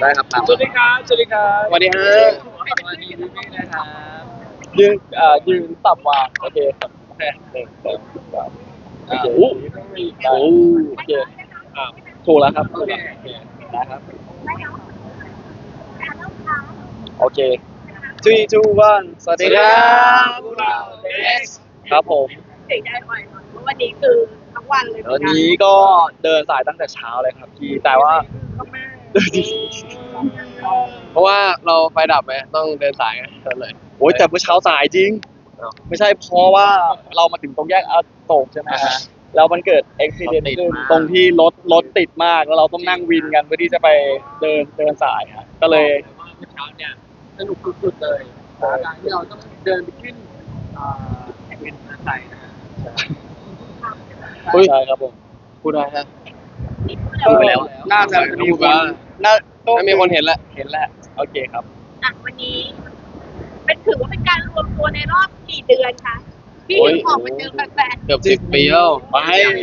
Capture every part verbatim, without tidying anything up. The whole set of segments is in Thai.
ได้ครับสวัสดีครับสวัสดีครับสวัสดีฮะสวัสดีพี่พี่นะครับยืนอ่ายืนต่ำกว่าโอเคครับโอเคหนึ่งสองสามโอเคโอ้โหโอเคอ่าถูกแล้วครับโอเคนะครับโอเค three two one สวัสดีครับพวกเรา X ครับผมเสียงได้บ่อยเพราะวันนี้คือทั้งวันเลยวันนี้ก็เดินสายตั้งแต่เช้าเลยครับพี่แต่ว่าเพราะว่าเราไฟดับไหมต้องเดินสายไงเลยโอ้ยแต่เมื่อเช้าสายจริง ไม่ใช่เพราะว่าเรามาถึงตรงแยกอโศกใช่ไหมฮะแล้วมันเกิดอุบิเหตุขึ้นตรงที่รถรถติดมากแล้วเราต้องนั่งวินกันเพื่อที่จะไปเดินเดินสายฮะก็เลยว่าเมื่อเช้าเนี่ยสนุกสุดๆเลยการที่เราต้องเดินไปขึ้นแข่งเป็นไทยนะใช่ครับผมพูดได้ฮะพูดไปแล้วน่าจะมีคนน่าถ้ามีคนเห็นแล้วเห็นแล้วโอเคครับอ่ะวันนี้เป็นถือว่าเป็นการรวมตัวในรอบกี่เดือนคะพี่ถึงออกมาเจอแฟนเกือบสิบปีแล้วไม่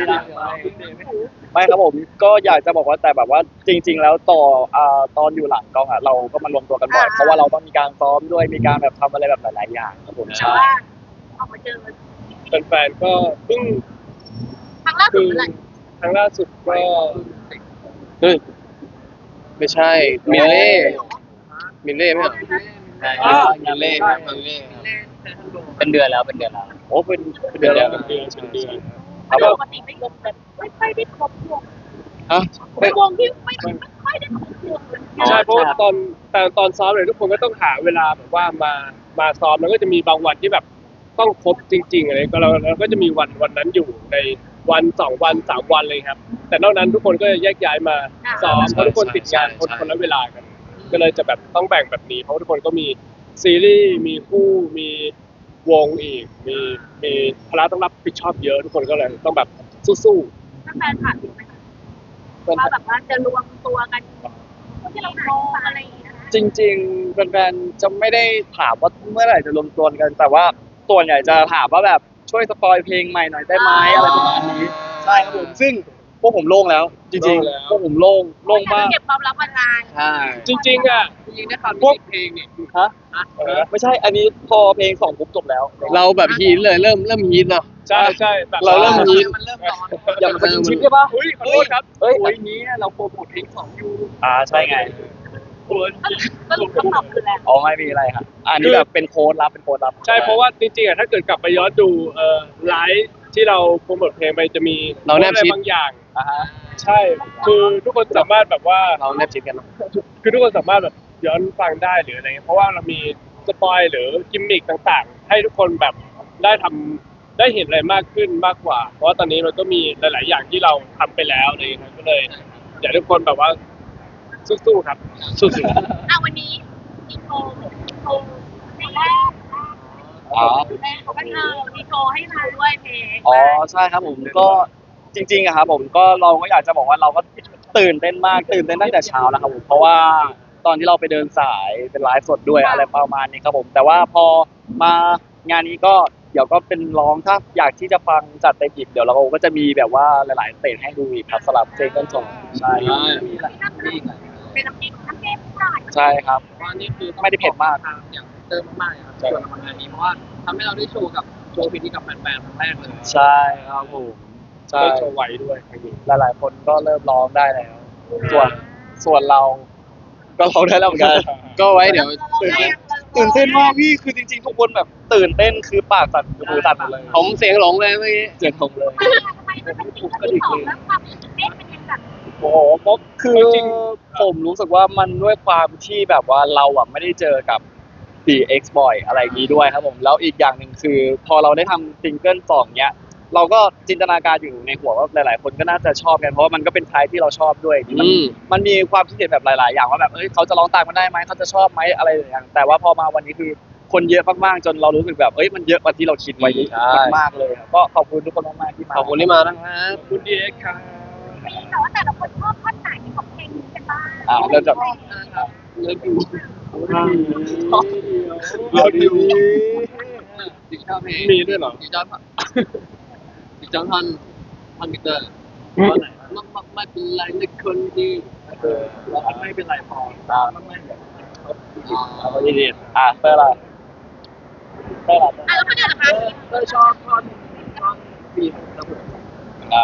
ไม่ครับผมก็อยากจะบอกว่าแต่แบบว่าจริง ๆ แล้วต่ออ่าตอนอยู่หลังกล้องอ่ะเราก็มารวมตัวกันบ่อยเพราะว่าเราต้องมีการซ้อมด้วยมีการแบบทำอะไรแบบหลายๆอย่างครับผมๆแต่ใช่ว่าออกมาเจอแฟนๆก็เพิ่งครั้งล่าสุดเมื่อไหร่ครั้งล่าสุดก็เฮ้ยไม่ใช่มิลเล่มิลเล่ไหมมิลเล่มิลเล่เป็นเดือนแล้วเป็นเดือนแล้วโอ้เป็นเป็นเดือนแล้วเป็นเดือนเป็นเดือนคปรับผมกติไม่ครบแบบไม่ค่อยได้ครบวงฮะเป็นวงที่ไม่ไม่ค่อยได้ครบวงเลยใช่เพราะว่าตอนแต่ตอนซ้อมเลยทุกคนก็ต้องหาเวลาแบบว่ามามาซ้อมแล้วก็จะมีบางวันที่แบบต้องครบจริงๆอะไรก็เราเราก็จะมีวันวันนั้นอยู่ในวันสองวันสามวันเลยครับ แต่นอกนั้นทุกคนก็จะแยกย้ายมาซ้อมเพราะทุกคนติดงานคนคนละเวลากัน ก็เลยจะแบบต้องแบ่งแบบนี้เพราะทุกคนก็มีซีรีส์มีคู่มีวงอีก มีมีภาระต้องรับผิดชอบเยอะทุกคนก็เลยต้องแบบสู้ๆถ้าแฟนถามอยู่ไหมคะว่าแบบว่าจะรวมตัวกันที่เราโมอะไรอย่างเงี้ยจริงๆแฟนๆจะไม่ได้ถามว่าเมื่อไหร่จะรวมตัวกัน แต่ว่าส่วนใหญ่จะถามว่าแบบช่วยสปอยเพลงใหม่หน่อยได้ไหมอะไรประมาณนี้ใช่ครับผมซึ่งพวกผมโล่งแล้ว จริงๆพวกผมโล่งโล่งมากเก็บความลับมานานใช่จริงๆอ่ะจริงๆได้ฟังพวกเพลงนี่ฮะไม่ใช่อันนี้พอเพลงสองปุ๊บจบแล้วเราแบบฮีทเลยเริ่มเริ่มฮีทเนาะใช่ใช่แบบเราเริ่มฮีทมันเริ่มร้อนอย่ามาเป็นชิปใช่ปะอุ้ยขอโทษครับเฮ้ยโอ้ยนี้เราโปรโมทเพลงสองอยู่อ่าใช่ไงสรุปคำตอบคือแล้วอ๋อไม่มีอะไรครับอันนี้แบบเป็นโค้ดลับเป็นโค้ดลับใช่เพราะว่าจริงๆอ่ะถ้าเกิดกลับไปย้อนดูเอ่อไลฟ์ที่เราโปรโมทเพลงไปจะมีเราแนบชิดบางอย่างอ่าฮะใช่คือทุกคนสามารถแบบว่าเราแนบชิดกันเนาะคือทุกคนสามารถแบบย้อนฟังได้หรืออะไรเงี้ยเพราะว่าเรามีสปอยหรือกิมมิคต่างๆ ให้ทุกคนแบบได้ทำได้เห็นอะไรมากขึ้นมากกว่า เพราะว่าตอนนี้มันก็มีหลาย ๆ อย่างที่เราทำไปแล้วอะไรเลยครับก็เลยอยากให้ทุกคนแบบว่าสู้ๆครับสู้ๆอ่ะวันนี้มีโชว์มีโชว์เพลงแรกอ๋อแรกเขาก็เออมีโชว์ให้เราด้วยเพลงอ๋อใช่ครับผมก็จริงๆอะครับผมก็เราก็อยากจะบอกว่าเราก็ตื่นเต้นมากตื่นเต้นตั้งแต่เช้าแล้วครับผมเพราะว่าตอนที่เราไปเดินสายเป็นไลฟ์สดด้วยอะไรประมาณนี้ครับผมแต่ว่าพอมางานนี้ก็เดี๋ยวก็เป็นร้องถ้าอยากที่จะฟังจัดเต็มอีกเดี๋ยวเราก็จะมีแบบว่าหลายๆสเตจให้ดูอีกครับสำหรับเพลงต้นฉบับใช่ครับเป็นน้ำพริกน้ำพริกหน่อยใช่ครับว่านี่คือไม่ได้เผ็ดมากอย่างเติมมากๆครับส่วนของงานนี้เพราะว่าทำให้เราได้โชว์กับโชว์เพลงนี้กับแฟนๆครั้งแรกเลยใช่ครับผมใช่ได้โชว์ไว้ด้วยครั้งนี้หลายๆคนก็เริ่มร้องได้แล้ว ส่วนส่วนเราก็ร้องได้แล้วเหมือนกันก็ไว้เดี๋ยวตื่นเต้นตื่นเต้นมากพี่คือจริงๆทุกคนแบบตื่นเต้นคือปากสั่นคือมือสั่นหมดเลยผมเสียงหลงเลยเมื่อกี้เสียงผมเลยทำไมมันเป็นสิ่งที่สองแล้วความตื่นเต้นเป็นยังไงโอ้โหเพราะคือผมรู้สึกว่ามันด้วยความที่แบบว่าเราอ่ะไม่ได้เจอกับ ดี เอ็กซ์ บ่อยอะไรอย่างนี้ด้วยครับผมแล้วอีกอย่างหนึ่งคือ พอเราได้ทำซิงเกิลสองเนี้ยเราก็จินตนาการอยู่ในหัวว่าหลายๆ คนก็น่าจะชอบกันเพราะว่ามันก็เป็นไทยที่เราชอบด้วยมันอืมมันมีความคิดเห็นแบบหลายๆ อย่างว่าแบบเอ้ยเขาจะร้องตามกันได้ไหมเขาจะชอบไหมอะไรอย่างแต่ว่าพอมาวันนี้คือคนเยอะมากๆจนเรารู้สึกแบบเอ้ยมันเยอะกว่าที่เราคิดไว้มากๆเลยครับก็ขอบคุณทุกคนมากๆที่มาขอบคุณที่มานะครับคุณดีเอ็กซ์ครับมีแต่ว่าแต่ละคนชอบท่อนไหนของเพลงนี้กันบ้างอ่าเริ่มจากเลิฟยูเราดีดิชอบเพลงมีด้วยเหรอดิชอบดิชอบท่อนท่อนมิเตอร์ท่อนไหนมามาไม่เป็นไรนะคนดีเออเราไม่เป็นไรพออ่าไม่แบบเอาไปดีๆอ่ะเพื่ออะไรเพื่ออะไรอ่ะแล้วคนเดียวเหรอคะก็ชอบท่อนท่อนบีบระเบิดอ่า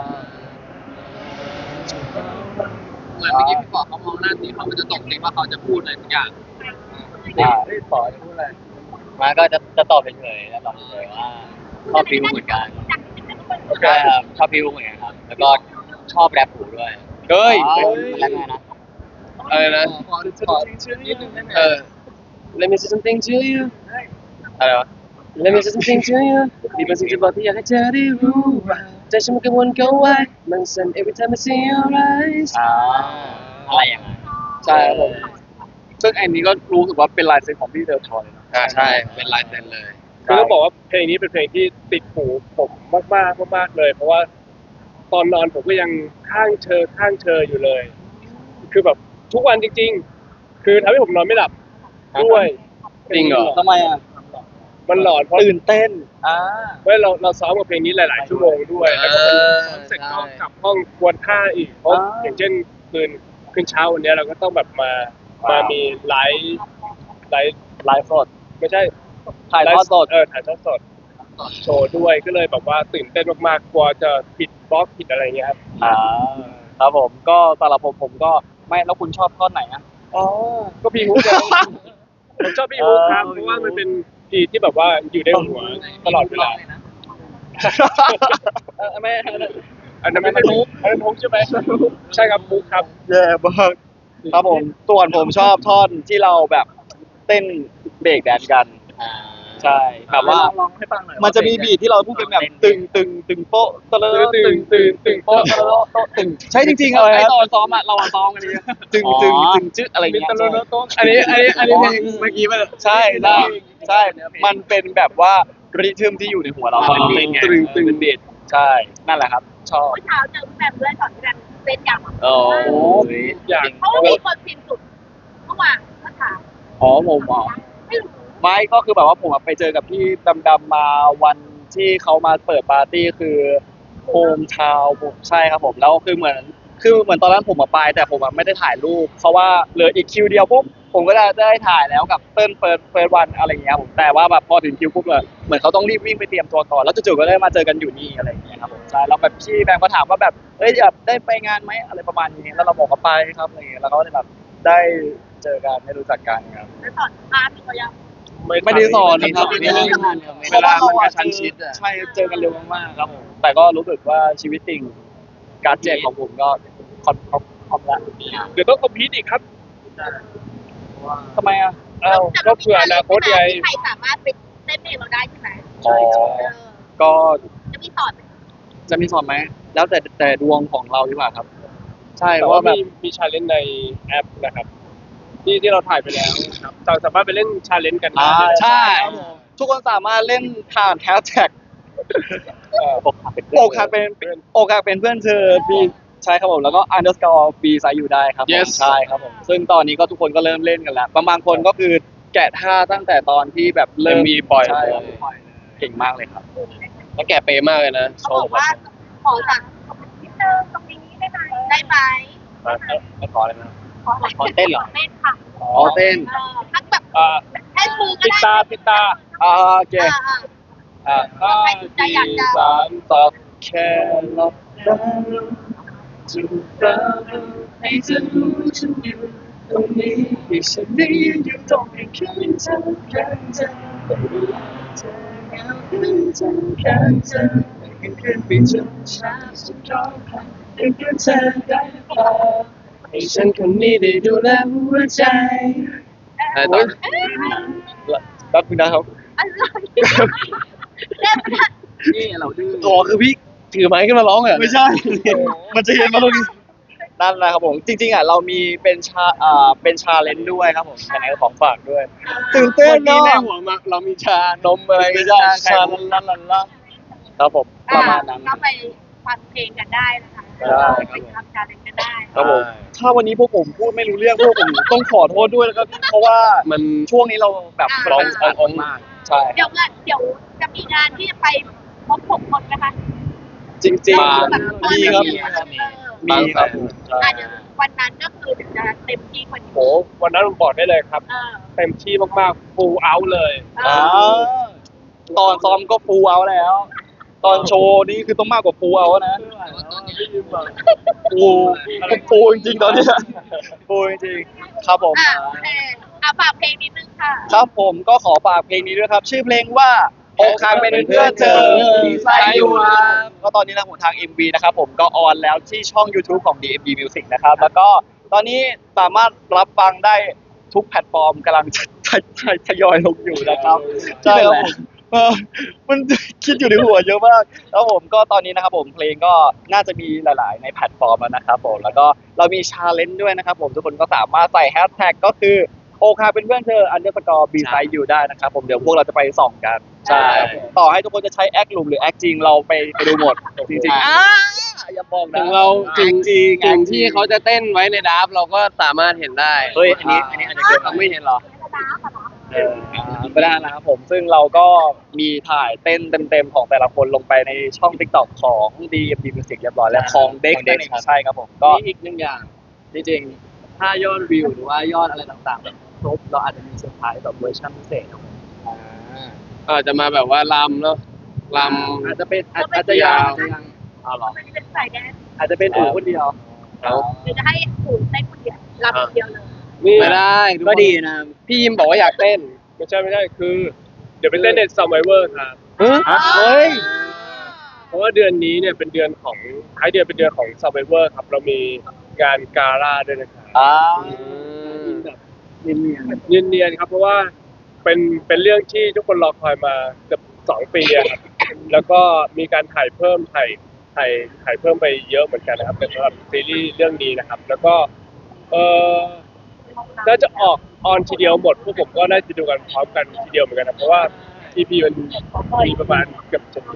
เหมือนเมื่อกี้พี่บอกเขามองหน้านี้เขามันจะตกใจว่าเขาจะพูดอะไรสักอย่างอ่าไม่ปอจะพูดอะไรมาก็จะจะตอบเฉยๆแล้วตอบเฉยๆว่าชอบพิวเหมือนกันใช่ครับชอบพิวเหมือนกันครับแล้วก็ชอบแรปหูด้วยเฮ้ยแรปไงนะอะไรนะขอขอชื่อนิดนึงได้ไหมเออ Let me say something to you อะไรวะ Let me say something to you มีบางสิ่งจะบอกที่อยากให้เธอได้รู้ว่าใจฉันมันกังวลเกินไว้มันสั่น every time I see your eyes อ่าอะไรอย่างนั้นใช่ครับผมซึ่งอันนี้ก็รู้สึกว่าเป็นลายเซ็นของพี่เดลทอยเลยนะอ่าใช่เป็นลายเซ็นเลยคือต้องบอกว่าเพลงนี้เป็นเพลงที่ติดหูผมมากๆมากๆเลย เพราะว่าตอนนอนผมก็ยังข้างเชอข้างเชออยู่เลย คือแบบทุกวันจริง ๆ คือทำให้ผมนอนไม่หลับด้วยจริงเหรอทำไมอ่ะมันหลอนเพราะตื่นเต้นอ่าเพราะเราเราซ้อมกับเพลงนี้หลาย ๆ ชั่วโมงด้วยแล้วก็ซ้อมเสร็จก็กลับห้องกวนท่าอีกเพราะอย่างเช่นคืนคืนเช้าวันนี้เราก็ต้องแบบมามามีไลฟ์ไลฟ์ไลฟ์สดไม่ใช่ถ่ายทอดสดเออถ่ายทอดสดโชว์ด้วยก็เลยแบบว่าตื่นเต้นมากๆกลัวจะผิดบล็อกผิดอะไรเงี้ยครับอ่าครับผมก็สำหรับผมผมก็ไม่แล้วคุณชอบท่อนไหนอ่ะอ๋อก็พี่ฮุกเลยผมชอบพี่ฮุกครับเออเพราะว่ามันเป็นพีที่แบบว่าอยู่ในหัวตลอดเวลาเออไม่อันนั้นไม่ใช่ฮุกอันนั้นฮุกใช่ไหมใช่ครับฮุกครับแย่มากครับผมส่วนผมชอบท่อนที่เราแบบเต้นเบรกแดนซ์กันอ่าใช่แบบว่าลองให้ฟังหน่อยมันจะมีบีทที่เราพูดเป็นแบบตึงตึงตึงโป๊ะตะเลอะตื่ตึนงตื่นตื่นโป๊ะตะเลอะโต๊ะตึงใช่จริงๆครับไอตอนซ้อมอะเราอะซ้อมกันนี้ตึงตึงตึงจึ๊ดอะไรมิเงี้ยตรโลโต้อันนี้อันนี้อันนี้เพลงเมื่อกี้มันใช่ใช่ใช่ มันเป็นแบบว่าริทึมที่อยู่ในหัวเราอ๋อมันเป็นตึงตึงเด็ดใช่นั่นแหละครับ ชอบเมื่อเช้าเจอแฟนเพื่อนก่อนที่กันเต้นยำโอ้อยากเพราะว่ามีคนพิมพ์สุดเมื่อวานก็ถามอ๋อผมอ๋อไม่รู้ไม่ก็คือแบบว่าผมอะไปเจอกับพี่ดำๆมาวันที่เขามาเปิดปาร์ตี้คือโฮมทาวน์ผมใช่ครับผมแล้วคือเหมือนคือเหมือนตอนนั้นผมมาไปแต่ผมอะไม่ได้ถ่ายรูปเพราะว่าเหลืออีกคิวเดียวปุ๊บผมก็จะได้ถ่ายแล้วกับเติ้ลเฟิร์สเฟิร์สวันอะไรอย่างเงี้ยครับผมแต่ว่าแบบพอถึงคิวปุ๊บเลยเหมือนเขาต้องรีบวิ่งไปเตรียมตัวก่อนแล้วจู่ๆก็ได้มาเจอกันอยู่นี่อะไรอย่างเงี้ยครับผมใช่แล้วแบบพี่แบงก์ก็ถามว่าแบบเอ้ยอยากได้ไปงานไหมอะไรประมาณนี้แล้วเราบอกว่าไปครับอะไรอย่างเงี้ยแล้วเขาก็เลยแบบได้เจอกันได้รู้จักกันครับแล้วสอนพาร์ทเขายังไม่ได้สอนนะครับไม่ได้สอนเพราะว่าเราอะเจอใช่เจอกันเร็วมากๆครับผมแต่ก็รู้สึกว่าชีวิตจริงการเจ็บของผมก็คอนคอมคอมละเดี๋ยวต้องคอมพิวต์อีกครับทำไมอ่ะอ้าวก็เผื่ออนาคตไงใครสามารถไปเต้นเพลงเราได้ใช่ไหมอ๋อเออก็จะมีสอนไหมจะมีสอนไหมแล้วแต่แต่ดวงของเราดีกว่าครับ ใช่แต่เพว่าราะแบบมีมีชาเลนจ์ในแอปนะครับ ที่ที่เราถ่ายไปแล้วครับเราสามารถไปเล่นชาเลนจ์กันได้อ่าใช่ทุกคนสามารถเล่นผ่านแฮชแท็กเอ่ออกหักเป็นอกหักเป็นอกหักเป็นเพื่อนเธอบีใช่ครับผมแล้วก็ underscore b ไซอยู่ได้ครับผม Yes ใช่ครับผมซึ่งตอนนี้ก็ทุกคนก็เริ่มเล่นกันแล้วบางบางคนก็คือแกะท่าตั้งแต่ตอนที่แบบเริ่มเอ็มวีปล่อยใช่เลยครับปล่อยเลยเก่งมากเลยครับแล้วแกเปย์มากเลยนะโชเขาบอว์กว่าขอจากนิดนึงตรงนี้ได้ไหมได้ไหมไม่ขอเลยนะขออะไรขอเต้นเหรอเต้นค่ะอ๋อเต้นเออทักแบบอ่าแค่มือก็ปิดได้ตาปิดตาอ่าโอเคอ่าอ่าอ่าใครสนใจอยากจะสามสองแค่หลับตาจูบตาให้เธอรู้ฉันอยู่ตรงนี้ที่ฉันนี้อยู่ตรงนี้คืนเธอข้างเธอแต่เวลาเธอเหงาคืนเธอข้างเธอคืนคืนไปจนเช้าสุดร้องไห้คืนคืนเธอได้หรือเปล่าให้ฉันคนนี้ได้ดูแลหัวใจอะไรต่อแป๊บนึงนะครับอะไรเล่นมันนี่เราดื้ออ๋อคือพี่ถือไม้ขึ้นมาร้องเหรอไม่ใช่ มันจะเห็นมาตรงนี้นั่นแหละครับผม จริงๆอ่ะเรามีเป็นชาอ่าเป็นชาเลนจ์ด้วยครับผมยังไงก็ของฝากด้วย ตื่นเต้นเมื่อกี้เนาะในหัวมาเรามีชานมอะไรไม่ใช่ชาลันลันลันลันครับผมประมาณนั้นก็ไปฟังเพลงกันได้นะคะได้ครับไปทำการเล่นกันได้ครับผมถ้าวันนี้พวกผมพูดไม่รู้เรื่องพวกผมต้องขอโทษด้วยแล้วก็เพราะว่ามันช่วงนี้เราแบบร้องอ่าอ่อนมากใช่เดี๋ยวงานเดี๋ยวจะมีงานที่จะไปพบผมคนนะคะจริงเราๆแบบตอนมีนั้นครับมีเออมีครับอ่ะเดี๋ยววันนั้นก็คือจะเต็มที่กว่านี้โหวันนั้นผมบอกได้เลยครับเออเต็มที่มากๆ full out เลยเออ่าอตอนซ้อมก็ฟูลเอาแล้ว ตอนโชว์นี่คือต้องมากกว่าฟูลเอานะฟูฟูจริงๆตอนเนี้ยฟูจริงๆครับผมอ่ะโอเคอ่ะฝากเพลงนิดนึงค่ะครับผมก็ขอฝากเพลงนี้ด้วยครับ ชื่อเพลงว่าอกหักเป็นเพื่อนเธอมีใจอยู่ครับก็ตอนนี้นะผมทาง เอ็ม วี นะครับผมก็ออนแล้วที่ช่อง YouTube ของ ดี เอ็ม วี Music นะครับ แล้วก็ตอนนี้สามารถรับฟังได้ทุกแพลตฟอร์มกำลังทยทยทยอยลงอยู่นะครับใช่ครับผมเออมันคิดอยู่ในหัวเยอะมากแล้วผมก็ตอนนี้นะครับผมเพลงก็น่าจะมีหลาย ๆ ในแพลตฟอร์มแล้วนะครับผมแล้วก็เรามีชาเลนจ์ด้วยนะครับผมทุกคนก็สามารถใส่แฮชแท็กก็คือโอคาเป็นเพื่อนเธออันเดอร์สกอร์บีไซด์อยู่ได้นะครับผมเดี๋ยวพวกเราจะไปส่องกัน ใช่ ต่อให้ทุกคนจะใช้แอคหลุมหรือแอคจริงเราไปไปดูหมด จริงๆอ่าอย่าบอกนะถึงเราจริงจริงถึงที่เขาจะเต้นไว้ในดับเราก็สามารถเห็นได้เฮ้ยอันนี้อันนี้อาจจะเกิดเราไม่เห็นหรอเออไม่ได้นะครับผมซึ่งเราก็มีถ่ายเต้นเต็มๆของแต่ละคนลงไปในช่อง TikTok ของ ดี เอ็ม วี Music เรียบร้อยแล้วของเด็กของ Dex นั่นเองครับใช่ครับผมก็มีอีกหนึ่งอย่างจริงๆถ้ายอดวิวหรือว่ายอดอะไรต่างๆแบบครบเราอาจจะมีเซอร์ไพรส์แบบเวอร์ชันพิเศษครับผมอาจจะมาแบบว่าลำเนาะลอาจจะเป็นอาจอาจจะยังอาจจะยังเอาเหรอมันเป็นสายแดนอาจจะเป็นอู่คนเดียวำแล้วหรือจะให้ปู่เต้นคนเดียวรับคนเดียวเลยนี่ไม่ได้ทุก็คนดีนะพี่ยิมบอกว่าอยากเต้นไม่ใช่ไม่ใช่คือ เดี๋ยวไปเต้นใน Survivor ครับเฮ้ยเพราะว่าเดือนนี้เนี่ยเป็นเดือนของท้ายเดือนเป็นเดือนของ Survivor ครับ เรามีงานกาล่าด้วยนะครับอ่าแบบเนียนเนียนๆครับเพราะว่าเป็นเป็นเรื่องที่ทุกคนรอคอยมาเกือบสองปีอะครับแล้วก็มีการถ่ายเพิ่มถ่ายถ่ายถ่ายเพิ่มไปเยอะเหมือนกันนะครับเป็นสำหรับซีรีส์เรื่องนี้นะครับ แล้วก็เออน่าจะออกออนทีเดียวหมดพวกผมก็น่าจะดูกันพร้อมกันทีเดียวเหมือนกันนะเพราะว่า อี พี มันมีประมาณเกือบจะ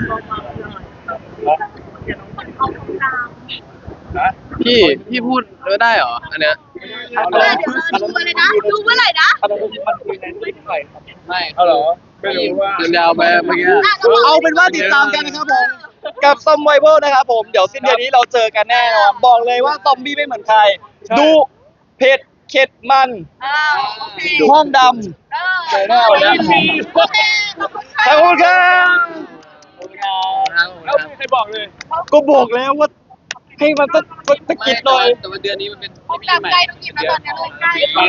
คนเขาทำตามพี่พี่พูดได้เหรออันเนี้ยเออเดี๋ยวเราดูเลยนะ ดูเมื่อไหร่นะอันนั้นมันคือในเรื่องอะไรครับๆไม่เอาเหรอไม่รู้ว่ามันยาวไปเมื่อกี้ะรบกเอาเป็นว่าติดตามกันนะครับผม กับซอมไวเวอร์นะครับผมเดี๋ยวสิ้นเดือนนี้เราเจอกันแน่นอนบอกเลยว่าซอมบี้ไม่เหมือนใครใช่ดูเผ็ดเข็ดมันเออโอเคห้องดเออเจอแน่วันนี้โอเคขอบคุณำขค่ะอบคุณครับแล้วไม่มีใครบอกเลยก็บอกแล้วว่าให้มันต้องสะกิดหน่อยแต่ว่าเดือนนี้มันเป็นผมจำใจต้องหยิบมาตอนนี้เลยใกล้